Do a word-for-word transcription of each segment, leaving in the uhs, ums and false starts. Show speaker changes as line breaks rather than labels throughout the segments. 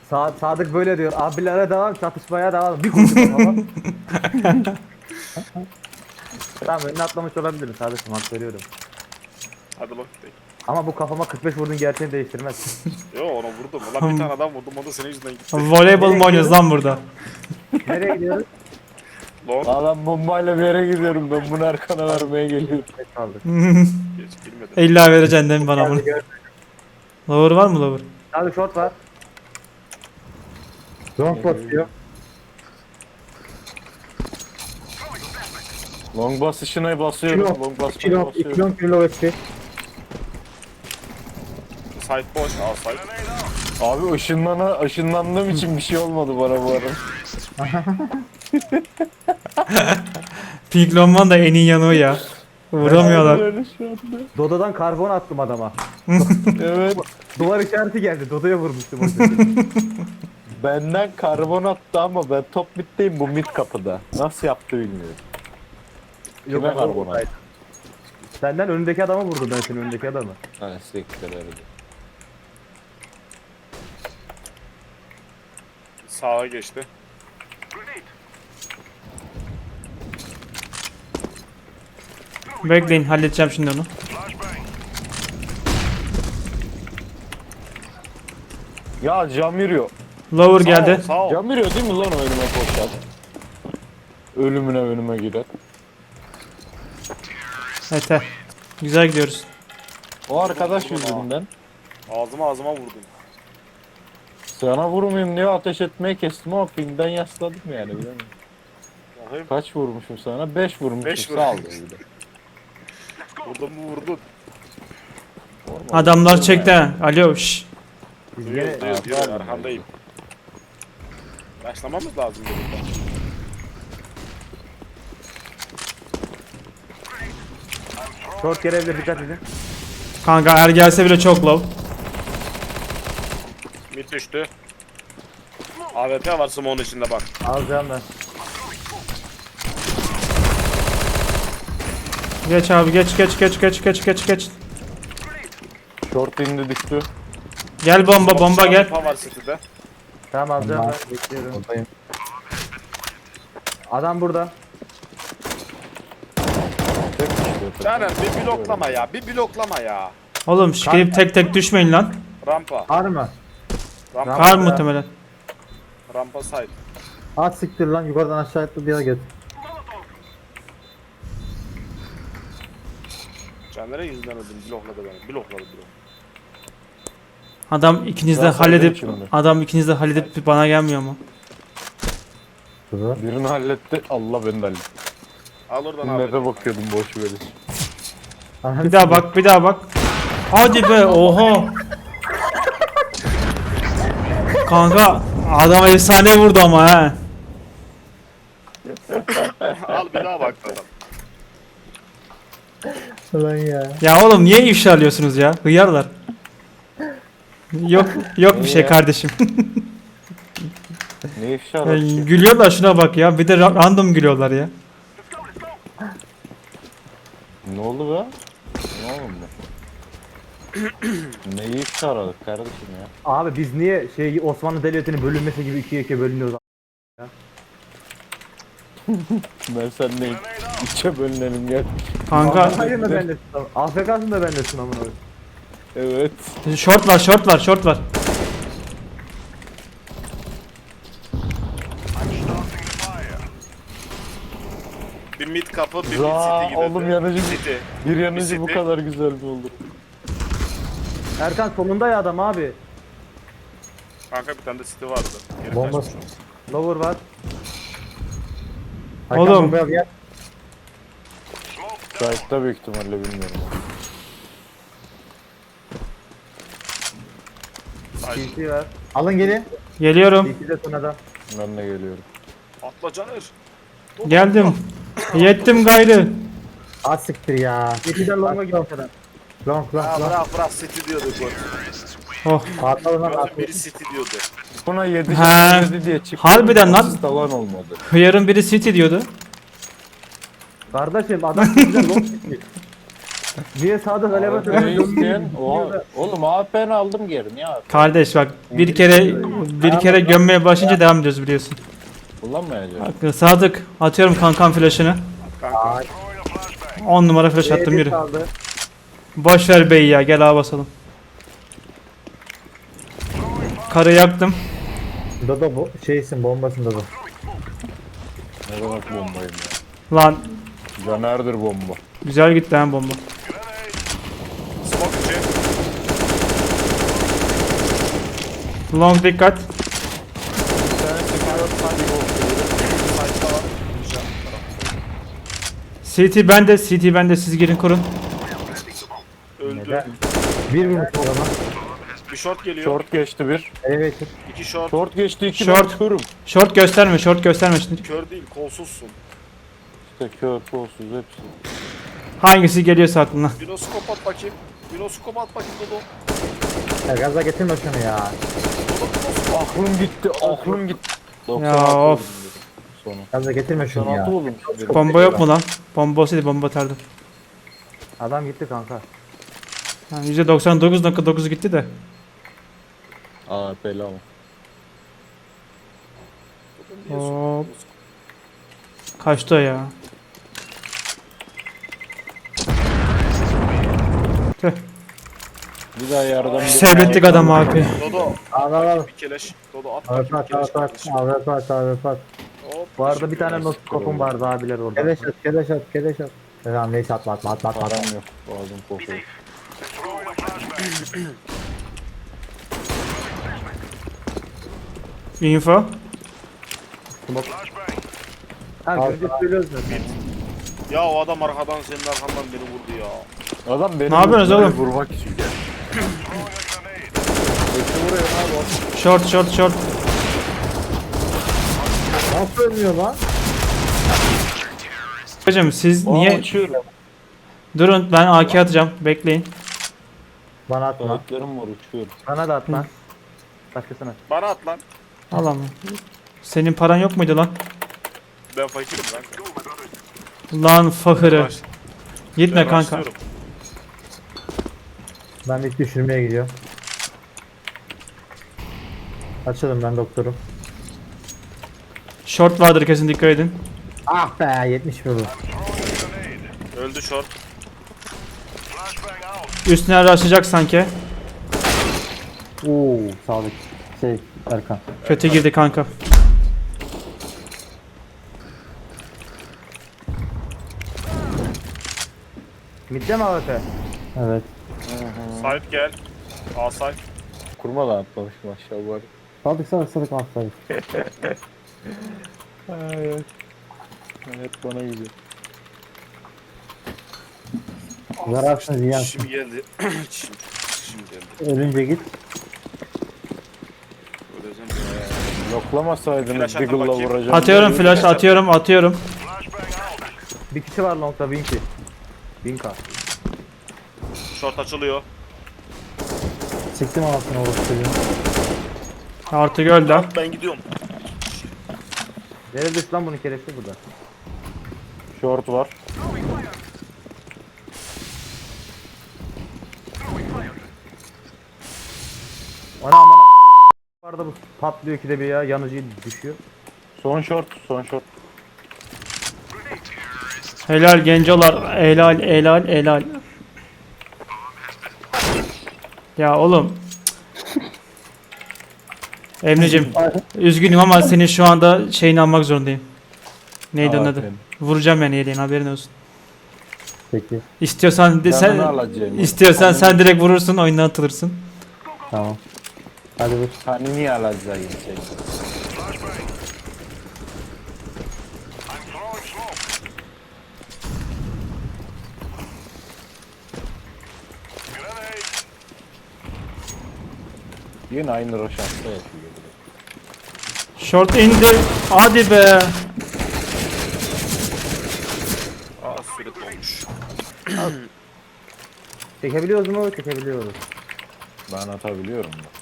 Sa Sadık böyle diyor. Abilere devam, çatışmaya devam. Bir kurşun ama. Tamam önüne atlamış olabilirim Sadık'ım, hak veriyorum.
Hadi bak.
Ama bu kafama kırk beş vurdun gerçeğini değiştirmez.
Yo onu vurdum. Ulan bir tane adam vurdum. O da senin yüzünden gitti.
Voleybol mu oynuyoruz lan burada?
Nereye gidiyoruz?
Long.
Adam bombayla bir yere gidiyorum, ben bunu arkana vermeye geliyorum.
Geç kaldık.
Geç bilmedim.
İlla vereceksin değil mi bana bunu? Lower var mı lower?
Abi short var. Long basıyor.
Long basışına basıyorum,
Kilo,
long basışına
kilo,
basıyorum.
kilo, kilo eksi.
Site boş. Al site.
Abi ışınlana, ışınlandığım için bir şey olmadı bana bu arada.
Pink Longman da en iyi yanı o ya. Vuramıyorlar.
Öyle şu anda.
Dodo'dan karbon attım adama.
Evet.
Duvar işareti geldi. Dodo'ya vurmuştum o sırada.
Benden karbon attı ama ben top middeyim, bu mid kapıda. Nasıl yaptı bilmiyorum.
Yok,
Kime
o-
karbon attı?
Senden önündeki adamı vurdum, ben senin önündeki adamı.
Ha siktir öyle.
Sağa geçti.
Bekleyin halledeceğim şimdi onu.
Ya cam yürüyor.
Lower
Sağ ol,
geldi.
Sağ ol.
Cam yürüyor değil mi lan o önüme koşan? Ölümüne önüme girer.
Ete. Güzel gidiyoruz.
O arkadaş yüzünden
Ağzıma ağzıma vurdum.
sana vurmayayım diye ateş etmeye kestim ama pingden yasladım yani, bilemiyorum.
Bakayım.
Kaç vurmuşum sana? beş vurmuşum.
Beş
Sağ ol
vurmuşum.
bir de.
Vurdun mu vurdun.
Adamlar çekti ha. Alo şş.
Biz
Duyuyor
gene
duyuyor
Ha,
duyuyor.
pardon.
Arkandayım. Başlamamız lazım dedim.
short gelebilir, dikkat edin.
Kanka er gelse bile çok low.
Mid düştü. A W P var smoke'un içinde bak.
Alacağım ben.
Geç abi geç geç geç geç geç geç geç.
Short indi düştü.
Gel bomba bomba gel.
Rampa var city'de.
Tamam alacağım ben, bekliyorum.
Oradayım.
Adam burada.
Tek düştü.
Caner bir bloklama ya. Bir bloklama ya.
Oğlum şikayip tek tek düşmeyin lan.
Rampa.
Var mı?
Rampa.
Kar muhtemelen.
Rampa side.
At siktir lan, yukarıdan aşağı attı bir yere git.
Caner'e yüzünden öldüm. Blokladı beni. Blokladı blok.
Adam ikiniz de
Ya sen
halledip
de şimdi.
adam ikiniz de halledip bana gelmiyor mu?
Birini halletti. Allah beni de halletti.
Al oradan abi.
Map'e bakıyordum boş böyle.
Bir daha bak bir daha bak. Hadi be oha. Kanka adam efsane vurdu ama he.
Al bir daha bak adam.
Lan ya.
Ya oğlum niye ifşa alıyorsunuz ya? Hıyarlar. Yok yok bir şey
Ya.
kardeşim.
Ne ifşa
Ya,
aradı ki?
gülüyorlar şuna bak ya. Bir de ra- random gülüyorlar ya.
Ne oldu be? Ne oldu bu? Neyi ifşa aradık kardeşim ya?
Abi biz niye şey Osmanlı Devleti'nin bölünmesi gibi ikiye ikiye bölünüyoruz?
Ben sendeyim. İçe bölünelim gel.
Kanka
Hayır mı bendesin? A F K'sın da bendesin amına koyayım.
Evet.
short var short var short var.
Bir mid kapı, bir mid
Za
city gibi.
oğlum yanıcı
City.
bir yanıcı bu
City.
kadar güzel mi olur?
Erkan sonunda ya adam abi.
Kanka bir tane de city vardı. Geri
Bomba.
kaçmış.
Lower var.
Oğlum.
Sahipte büyük ihtimalle bilmiyorum.
Ay,
C C var. Alın geri.
Geliyorum.
C C de son adam.
Ben de geliyorum.
atla Caner.
Geldim. Yettim gayrı.
Az siktir ya. C C'den long'a gidiyor adam. Long long
Ha
long.
bırak bırak city diyorduk bu.
Oh.
Patladı lan
Gözüm
atladı.
biri city diyordu.
Buna yedi
Ha,
yedi diye çıktı.
harbiden lan.
Asist alan olmadı.
Hıyarın biri city diyordu.
Kardeşim adam C C'den long gitti. Niye sağda galiba
A P isteyen. Oha. Oğlum A P'ni aldım geri. Niye A P?
Kardeş bak bir kere bir kere gömmeye başlayınca devam ediyoruz biliyorsun.
Kullanmayacağım.
Bak, Sadık atıyorum kankam flash'ını.
Kanka.
on numara flash attım yürü.
Kaldı.
Boş ver beyi ya gel ağa basalım. Karı yaktım.
Dodo bu şeysin bombasın Dodo.
Ne demek bombayım ya.
Lan
Caner'dir bomba.
güzel gitti lan bomba.
Smoke içi.
Long dikkat.
Site'da var. Güzel.
C T bende, C T bende siz girin kurun.
Öldü.
Neden? Bir vurmuş o zaman.
Bir short geliyor.
Short geçti bir.
Elevator.
İki short.
Short geçti iki.
Short.
Ben körüm.
Short gösterme, short gösterme şimdi.
Kör değil, kolsuzsun.
İşte kör, kolsuz hepsi.
Hangisi geliyorsa aklına.
Binoskop at bakayım. Binoskop at bakayım Dodo.
Ya gaza getirme şunu ya.
Dodo binoskop.
Aklım gitti, aklım gitti.
Ya of.
Sonu.
Gaza getirme şunu
doksan altı
ya.
oğlum.
Bomba yok mu lan? Bomba olsaydı bomba atardım.
Adam gitti kanka.
Yani yüzde doksan dokuz nokta dokuz gitti de.
Aa bela ama.
Hop. Kaçtı o ya. Tüh.
Bir daha yardım.
Sevlettik adam abi.
Dodo.
Al al al.
Bir keleş. Dodo at
Evet
bakayım
at
bir keleş
at at.
kardeşim.
Evet at evet at.
Hop,
Bu arada bir tane
teşekkür ederiz.
noskopum vardı abiler orada.
Keleş at keleş at keleş at. Tamam neyse atma atma atma atma.
Param yok. Boğazım kokuyor.
Info.
Ha
Al.
önce söylüyoruz zaten.
Ya o adam arkadan senin arkandan beni vurdu ya.
Adam beni
Ne yapıyorsunuz
vurmaya
oğlum?
Vurmak için gel. Ötü vuruyor abi.
Short short short.
Nasıl ölmüyor lan?
Hocam siz
Aa,
niye
uçuyorum.
durun ben A K atacağım bekleyin.
Bana atma.
Ayaklarım var uçuyorum.
Bana da at lan. Başkasına.
Bana at lan.
Allah'ım. Senin paran yok muydu lan?
Ben fakirim kanka.
Lan fakırı.
Baş-
Gitme
ben
kanka.
başlıyorum.
Ben ilk düşürmeye gidiyorum. Açalım ben doktorum.
Short vardır kesin dikkat edin.
Ah be yetmiş vurdu.
Öldü short.
Üstüne araştıracak sanki.
Oo sağlık. Şey Erkan.
Kötü girdi kanka.
Midde mi A W P?
Evet.
Site gel. A site.
Kurma da atlamış maşallah var.
Sadık sadık sadık al sadık.
Evet. Evet bana gidiyor.
Zararsınız yiyen.
Şimdi geldi. Şimdi, şimdi geldi.
Ölünce git.
Öleceğim ya.
Yoklamasaydınız
Flash atın
Deagle'la
bakayım.
vuracağım.
Atıyorum flash atıyorum atıyorum.
Bir kişi var longda Winky. Winka.
Short açılıyor.
Siktim anasını orası çocuğun.
Artık öldü ha.
Ben gidiyorum.
Nerede düştü lan bunun keresi burada?
Short var.
Ana amana vardı bu patlıyor ki de bir ya yanıcı düşüyor.
Son short, son short.
Helal gencolar. Helal helal helal. Ya oğlum. Emre'cim üzgünüm ama senin şu anda şeyini almak zorundayım. Neydi onun
Aa,
adı?
benim.
Vuracağım yani yeleğin haberin olsun.
Peki.
İstiyorsan de,
Canını
sen
alacağım.
istiyorsan sen direkt vurursun oyundan atılırsın.
Tamam. Hadi vur.
Hani niye alacağım şey? Yine aynı roşansta yapıyor.
Short indi. Hadi be.
Aa süre dolmuş.
Çekebiliyoruz mu? Çekebiliyoruz.
Ben atabiliyorum da.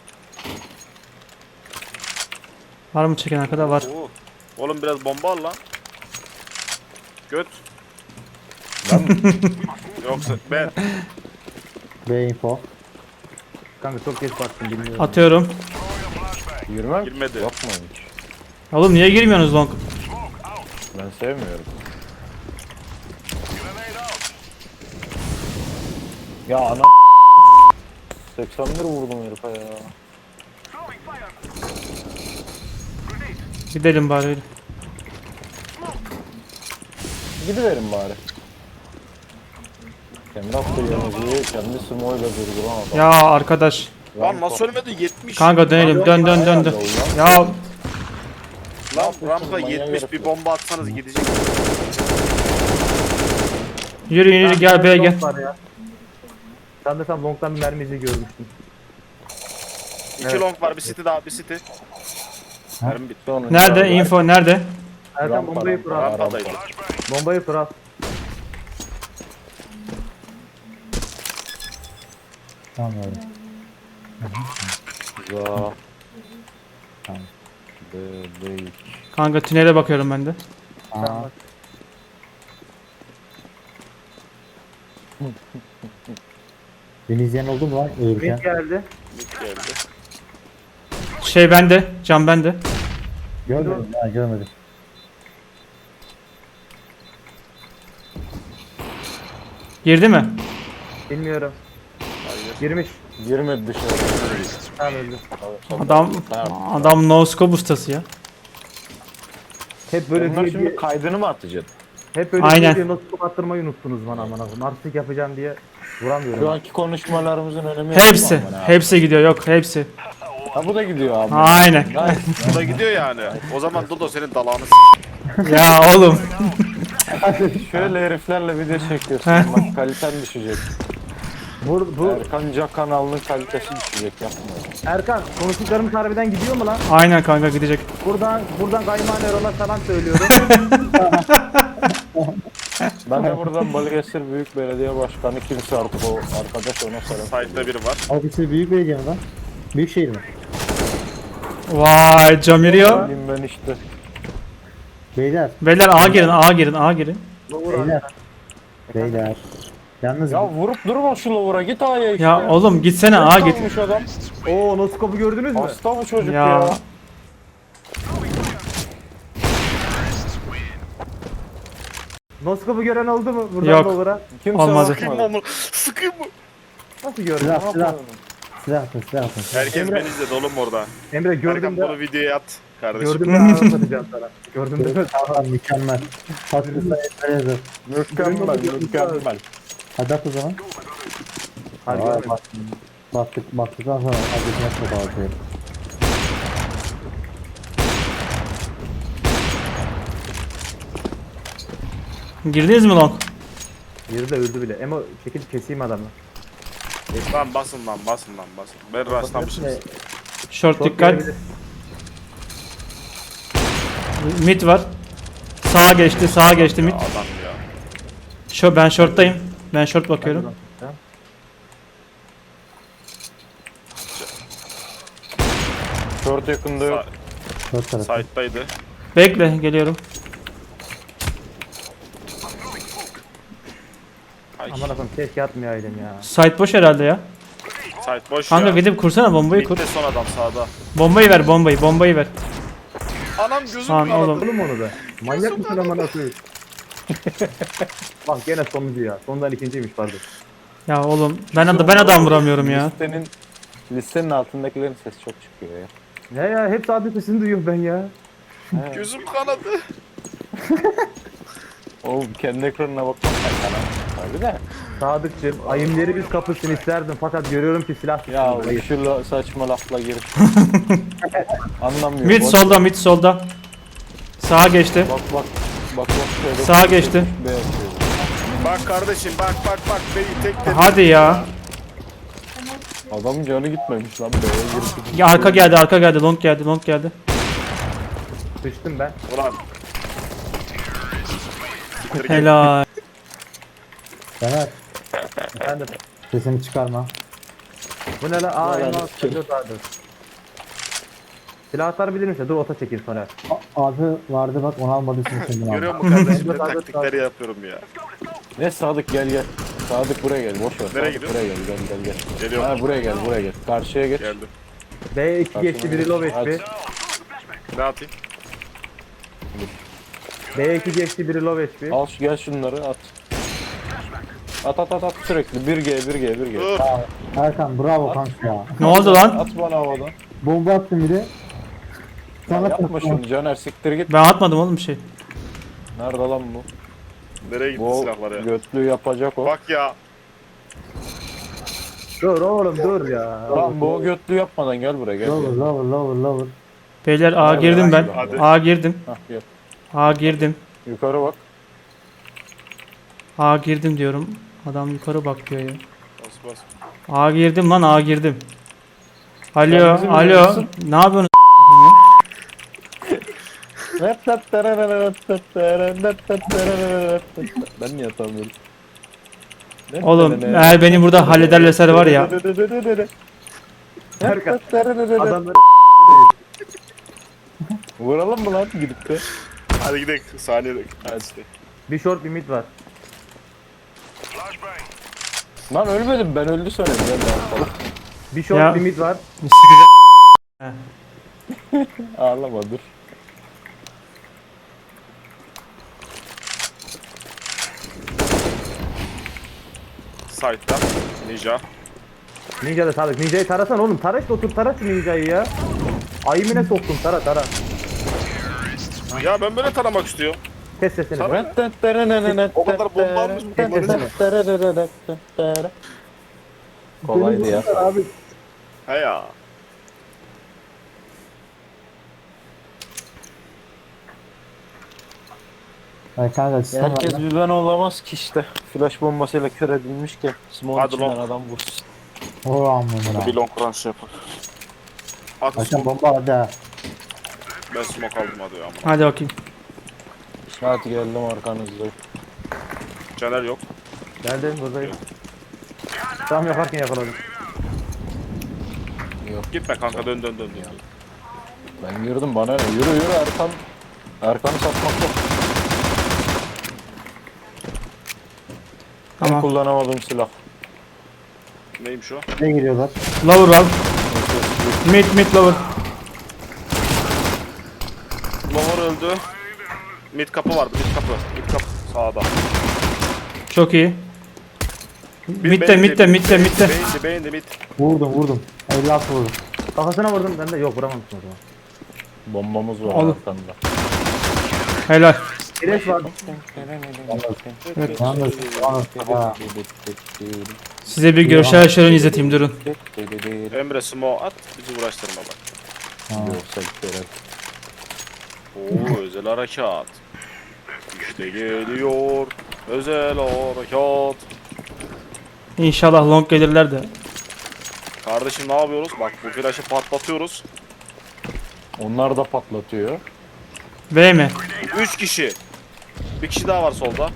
Var mı çeken arkada var.
Oo. Oğlum biraz bomba al lan. Göt.
Ben mi?
Yoksa ben
B info.
Kanka çok geç baktım bilmiyorum.
Atıyorum.
Yürümem.
girmedi.
Yok mu hiç?
Oğlum niye girmiyorsunuz long?
Ben sevmiyorum. Ya ana seksen bir vurdum herife ya.
Gidelim bari öyle.
Gidiverin bari. Kendi attığı yanıcıyı kendi smoyla durduran adam.
Ya arkadaş.
Lan nasıl ölmedi yetmiş.
Kanka dönelim. Dön dön dön dön. Ya
Lan rampa
Manyak
yetmiş
herif
bir
ya.
bomba atsanız gidecek.
yürü yürü gel B'ye gel.
Long var ya. Sen de sen long'dan bir mermi izi görmüştün.
İki
Evet.
long var, bir city daha, bir city. Mermi bitti.
Sonra
Nerede?
içeride-
Info nerede?
Erkan
Rampa,
bombayı kur
rampa,
al.
Rampadaydı.
Bombayı kur al.
Tamam öyle.
Za.
Tamam.
Bebek.
Kanka tünele bakıyorum ben de.
Aa, beni izleyen oldu mu lan ölürken?
Mid geldi.
Mid geldi.
Şey bende. Cam bende.
Görmedim ha görmedim.
Girdi mi?
Bilmiyorum.
Hayır.
Girmiş.
Girmedi dışarı.
Tamam öldü.
Adam adam no scope ustası ya.
Hep böyle
Bunlar
diye,
şimdi
diye,
kaydını mı atacaksın?
hep böyle
Aynen.
diye, diye nasıl kapattırmayı unuttunuz bana aman akım. Artistik yapacağım diye vuramıyorum.
Şu anki konuşmalarımızın önemi yok
Hepsi.
mu aman abi?
Hepsi gidiyor yok hepsi.
Ha bu da gidiyor abi.
Aynen.
Nice.
Bu da gidiyor yani. O zaman Dodo senin dalağını s***.
Ya oğlum.
Şöyle heriflerle video çekiyorsun. Bak kaliten düşecek.
Bu, bu
Erkan Can kanalının kalitesi düşecek yapma.
Erkan konuştuklarımız harbiden gidiyor mu lan?
Aynen kanka gidecek.
Buradan buradan Kayman Erol'a selam söylüyorum.
Ben de buradan Balıkesir Büyük Belediye Başkanı kimse artık o arkadaş ona selam.
Side'da biri var.
Ofisi büyük belediye mi lan? Büyük şehir mi?
Vay cam yürüyor.
Bileyim ben işte.
Beyler,
Beyler A girin A girin A girin.
beyler. Beyler. Yalnız
Ya vurup durma şu lavura git A'ya işte.
Ya oğlum gitsene A git.
Kalmış adam.
Oo noskopu gördünüz mü?
Hasta bu çocuk
Ya.
ya.
Noskopu gören oldu mu buradan
Yok.
Lower'a?
Kimse
Olmadı.
Sıkayım mı onu? Sıkayım mı?
Nasıl gördün?
silah
Ne
silah
yapalım?
silah atın silah atın.
Herkes beni izledi oğlum orada.
Emre gördüm
Erkan
de
bunu videoya at kardeşim.
gördüm de anlatacağım sana. Gördüm de
Tamam mükemmel. Tatlı sayıları.
Mükemmel mükemmel.
Hadi at o zaman.
Hadi
Aa,
görmedim.
bak- Baktık baktıktan sonra adresine çok ağrıyor.
Girdiniz mi long?
Yeri de öldü bile. Emo çekil keseyim adamı.
Lan basın lan basın lan basın. Ben rastlamışım.
Short
Çok
dikkat.
gelebilir.
Mid var. Sağa geçti sağa geçti mid.
Adam ya.
Şu ben short'tayım. Ben short bakıyorum.
Short yakında yok.
Sa-
Dört tarafı.
Side'daydı.
Bekle geliyorum.
Ay.
Aman akım keşke atmayaydım ya.
Site boş herhalde ya.
Side boş
Kanka
ya.
gidip kursana bombayı kur.
Mid'de son adam sağda.
Bombayı ver bombayı bombayı ver.
Anam gözüm
Lan
kanadı.
oğlum.
Oğlum onu be. Manyak mısın aman akım? Bak gene sonuncu ya. Sondan ikinciymiş pardon.
Ya oğlum ben adam ben adam vuramıyorum ya.
Listenin, listenin altındakilerin sesi çok çıkıyor ya.
Ne ya hep sadece sesini duyuyorum ben ya.
Gözüm kanadı.
Oğlum kendi ekranına bakmak sen kanal. Tabii de.
Sadıkçım ayımları biz kapısını isterdim fakat görüyorum ki silah
Ya
tutuyor.
şu la- saçma lafla girip. Anlamıyorum.
Mid
Boş-
solda mid solda. Sağa geçti.
Bak bak. Bak bak şöyle.
Sağa geçti.
B yapıyor.
Bak kardeşim bak bak bak beni tek tek.
Hadi ya.
Adamın canı gitmemiş lan B'ye girip.
Ya arka geldi arka geldi long geldi long geldi.
Sıçtım ben.
Ulan. Siktir git.
Helal.
Caner
Efendim.
sesini çıkarma.
Bu ne lan? Aa
Vallahi
elma
kim?
dur daha dur. Silahlar bilir misin? Dur ota çekil sonra.
A- Adı vardı bak onu almadıysan şimdi al.
Görüyor musun kardeşim ne
Sadık,
taktikleri yapıyorum ya.
Ne Sadık gel gel. Sadık buraya gel, boş ver.
Nereye
Sadık
gidiyor?
buraya gel, gel gel gel.
Geliyorum.
Ha buraya gel, buraya gel. Karşıya geç.
Geldim.
B iki geçti biri low H P.
Ne atayım?
B iki geçti biri low H P.
Al şu gel şunları at. At at at at sürekli bir G bir G bir G.
Dur.
Erkan bravo kanka ya.
Ne oldu lan?
At bana havadan.
Bomba attım bir de.
Ya
Sana
yapma şunu Caner, siktir git.
Ben atmadım oğlum bir şey.
Nerede lan bu?
Nereye gitti
Bu
silahlar ya?
götlüğü yapacak o.
Bak ya.
Dur oğlum dur ya.
Lan bu götlüğü yapmadan gel buraya gel.
Lower lower lower lower.
Beyler A
Hadi,
girdim ben.
hadi.
A girdim.
Hah gel.
A girdim.
Yukarı bak.
A girdim diyorum. Adam yukarı bak diyor ya.
Bas bas.
A girdim lan A girdim.
Sen
Alo
bizim
alo.
yanımızsın.
Ne yapıyorsun?
Ben niye atamıyorum?
Oğlum eğer beni burada hallederlerse var ya.
Erkan. Adamları
Vuralım mı lan gidip de?
Hadi gidelim. Saniyede. Hadi.
bir short bir mid var.
Lan ölmedim ben, öldü sanıyorum. Gel lan falan.
Bir short
Ya.
bir mid var.
Sıkacak.
Ağlama dur.
Side'dan. Ninja.
Ninja da Sadık. Ninja'yı tarasan oğlum. Tara işte otur tara şu Ninja'yı ya. Ayımine soktum tara tara.
Ya ben böyle taramak istiyorum.
Kes sesini.
Tara. O kadar bomba almış mı?
Kolaydı ya.
Abi
He ya.
ay kanka sistem var
Herkes
lan.
bir ben olamaz ki işte. Flash bombasıyla kör edilmiş ki. Small
Hadi
içinden
lan.
adam vursun.
O amına.
Bir long crunch yapar. Hadi
Erkan
smoke.
bomba hadi ha.
Ben smoke aldım hadi ama.
Hadi bakayım.
Hadi geldim arkanızda.
Caner yok.
Geldim buradayım. Tam yaparken yakaladım.
Gitme kanka dön dön dön. Ya.
Ben girdim bana ne? Yürü yürü Erkan. Erkan'ı satmak yok. Ben
Tamam.
kullanamadığım silah.
Neymiş o?
Ne giriyorlar?
Lower var. Mid mid lower.
Lower öldü. Mid kapı vardı. Mid kapı. Mid kapı. Sağda.
Çok iyi.
Bir
Midde
beğendi,
midde midde midde.
Beğendi beğendi mid.
Vurdum vurdum. elli altı vurdum.
Kafasına vurdum ben de yok vuramamışsın o zaman.
Bombamız var
Oğlum.
arkanda.
Helal.
Kireç var.
Yalnız yalnız ha.
Size bir görsel şölen izleteyim durun.
Emre smoke at. Bizi uğraştırma bak.
Görsel şölen.
Oo özel harekat. İşte geliyor. Özel harekat.
İnşallah long gelirler de.
Kardeşim ne yapıyoruz? Bak bu flaşı patlatıyoruz.
Onlar da patlatıyor.
B mi?
Üç kişi. Bir kişi daha var solda.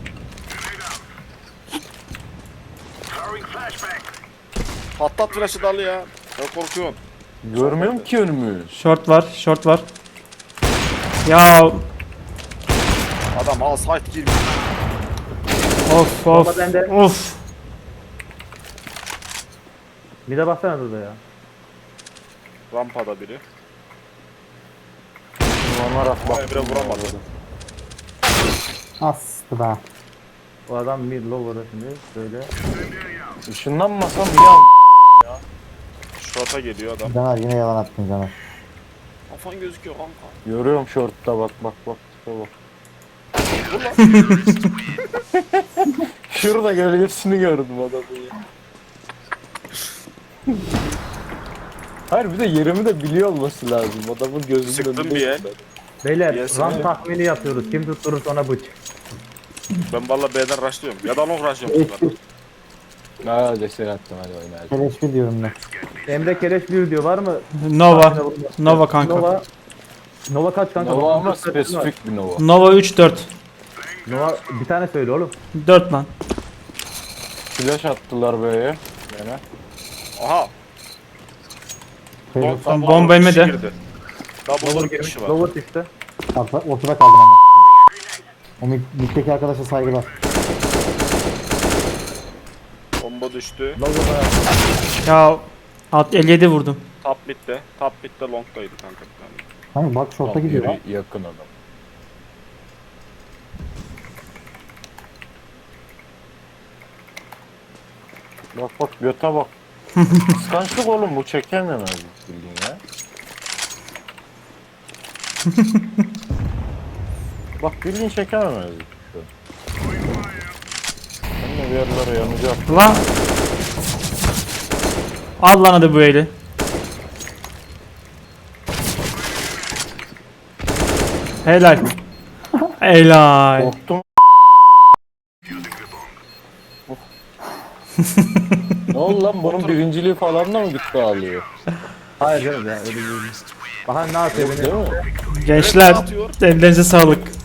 Patlat flaşı dalı ya. Ne korkuyorsun?
Görmüyorum ki önümü.
Short var, short var. Ya
Adam al site girmiş.
of
Bomba
of
bende.
of.
Mid'e baksana burada ya.
Rampada biri.
Onlar at bak.
Emre vuramadı.
Astı be.
O adam mid lower'da şimdi böyle.
Işınlanmasam bir an.
Short'a geliyor adam.
Caner yine yalan attın Caner.
Kafan gözüküyor kanka.
Görüyorum short'ta bak bak bak. tipe bak. Şurada gölgesini gördüm adamın ya. Hayır bir de yerimi de biliyor olması lazım. Adamın gözünün
Sıktım
önünde.
bir el.
Beyler
Yes,
run
evet.
tahmini yapıyoruz. Kim tutturur ona bıç.
Ben valla B'den rushlıyorum. Ya da long rushlıyorum. bunları.
Aa destek attım hadi oyna hadi.
Keleşli diyorum ben.
Emre Keleş bir diyor var mı?
Nova. Nova kanka.
Nova. Nova kaç kanka?
Nova ama
dokuz dört var.
spesifik bir Nova.
Nova üç dört.
Nova bir tane söyle oğlum.
dört lan.
Flash attılar böyle. Gene.
Aha.
Keleş
Long-
bomba
bir kişi
yemedi.
girdi. Daha
Lower
burada bir
girmiş.
kişi var.
Lower çıktı.
ortada, ortada kaldım ama. O mid- middeki arkadaşa saygılar.
Lambo düştü.
Logo'da.
Ya alt elli yedi vurdum.
Top bitti. Top bitti. Long'daydı kanka bir tane.
Kanka bak şorta gidiyor lan.
Yürü, yakın adam. Bak bak göte bak. Kıskançlık oğlum bu çekememez bildiğin ya. Bak bildiğin çekememez. Ben de bir yerlere yanacak.
Lan. Al lan hadi bu eli. Helal. Helal.
Korktum. Ne oldu lan bunun birinciliği falan da mı gitti alıyor?
Hayır canım ya öyle değil. Bahan ne yapıyor beni?
Değil mi?
Gençler
atıyor.
ellerinize sağlık.